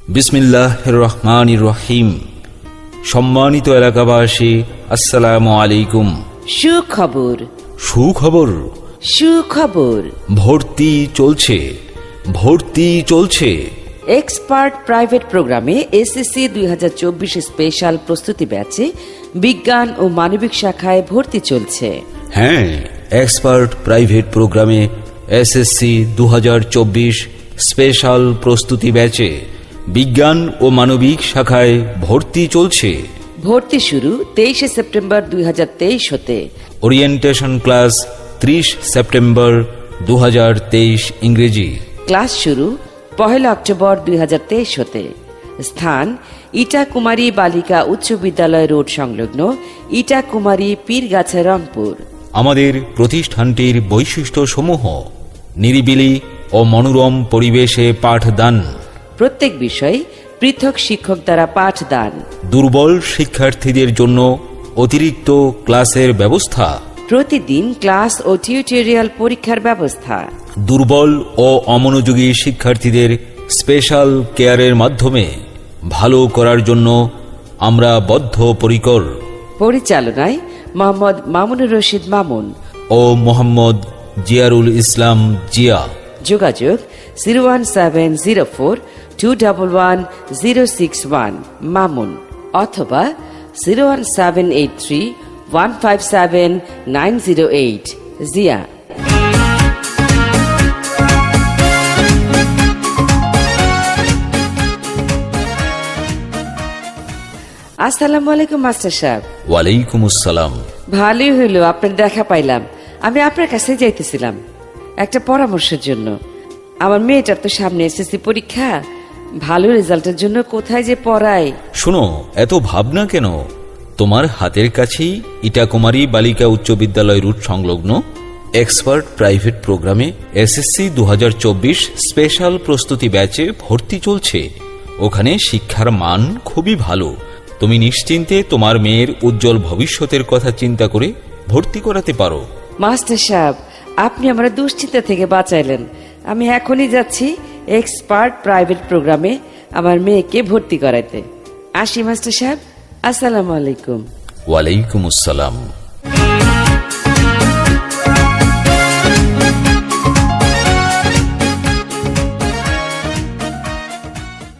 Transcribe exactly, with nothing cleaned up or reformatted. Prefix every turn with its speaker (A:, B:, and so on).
A: বিসমিল্লাহির রহমানির রহিম। সম্মানিত এলাকাবাসী, আসসালামু আলাইকুম।
B: সুখবর
A: সুখবর
B: সুখবর
A: ভর্তি চলছে, ভর্তি চলছে।
B: এক্সপার্ট প্রাইভেট প্রোগ্রামে এসএসসি দুই হাজার চব্বিশ স্পেশাল প্রস্তুতি ব্যাচে বিজ্ঞান ও মানবিক শাখায় ভর্তি চলছে।
A: হ্যাঁ, এক্সপার্ট প্রাইভেট প্রোগ্রামে এসএসসি দু হাজার চব্বিশ স্পেশাল প্রস্তুতি ব্যাচে বিজ্ঞান ও মানবিক শাখায় ভর্তি চলছে।
B: ভর্তি শুরু তেইশে সেপ্টেম্বর দুই হাজার তেইশ হতে।
A: ওরিয়েন্টেশন ক্লাস ত্রিশ সেপ্টেম্বর দু হাজার তেইশ ইংরেজি।
B: ক্লাস শুরু পহেলা অক্টোবর দুই হাজার তেইশ হতে। স্থান ইটা কুমারী বালিকা উচ্চ বিদ্যালয় রোড সংলগ্ন ইটা কুমারী পীরগাছা, রংপুর।
A: আমাদের প্রতিষ্ঠানটির বৈশিষ্ট্য সমূহ: নিরিবিলি ও মনোরম পরিবেশে পাঠদান,
B: প্রত্যেক বিষয় পৃথক শিক্ষক দ্বারা পাঠদান,
A: দুর্বল শিক্ষার্থীদের জন্য অতিরিক্ত ক্লাসের ব্যবস্থা,
B: প্রতিদিন ক্লাস ও টিউটোরিয়াল পরীক্ষার ব্যবস্থা,
A: দুর্বল ও অমনোযোগী শিক্ষার্থীদের স্পেশাল কেয়ারের মাধ্যমে ভালো করার জন্য আমরা বদ্ধপরিকর।
B: পরিচালনায় মোহাম্মদ মামুনুর রশিদ মামুন
A: ও মোহাম্মদ জিয়ারুল ইসলাম জিয়া।
B: যোগাযোগ zero one seven zero four two double one zero six one Mamun, অথবা zero one seven eight three one five seven nine zero eight Zia. আসসালামু আলাইকুম মাস্টার সাহেব।
A: ওয়ালাইকুম আসসালাম।
B: ভালোই হইল আপনার দেখা পাইলাম। আমি আপনার কাছে যাইতেছিলাম একটা পরামর্শের জন্য। আমার মেয়েটার তো সামনে এসএসসি পরীক্ষা, ভালো রেজাল্টের জন্য কোথায় যে পড়াই।
A: শোনো, এত ভাবনা কেন? তোমার হাতের কাছেই ইটাকুমারী বালিকা উচ্চ বিদ্যালয় রুট সংলগ্ন এক্সপার্ট প্রাইভেট প্রোগ্রামে এসএসসি দু হাজার চব্বিশ স্পেশাল প্রস্তুতি ব্যাচে ভর্তি চলছে। ওখানে শিক্ষার মান খুবই ভালো। তুমি নিশ্চিন্তে তোমার মেয়ের উজ্জ্বল ভবিষ্যতের কথা চিন্তা করে ভর্তি করাতে পারো।
B: মাস্টার সাহেব, আপনি আমার দুশ্চিন্তা থেকে বাঁচাইলেন। আমি এখনই যাচ্ছি এক্সপার্ট প্রাইভেট প্রোগ্রামে আমার মেয়েকে ভর্তি করাইতে। আসি মাস্টার সাহেব, আসসালামু আলাইকুম।
A: ওয়ালাইকুম আসসালাম।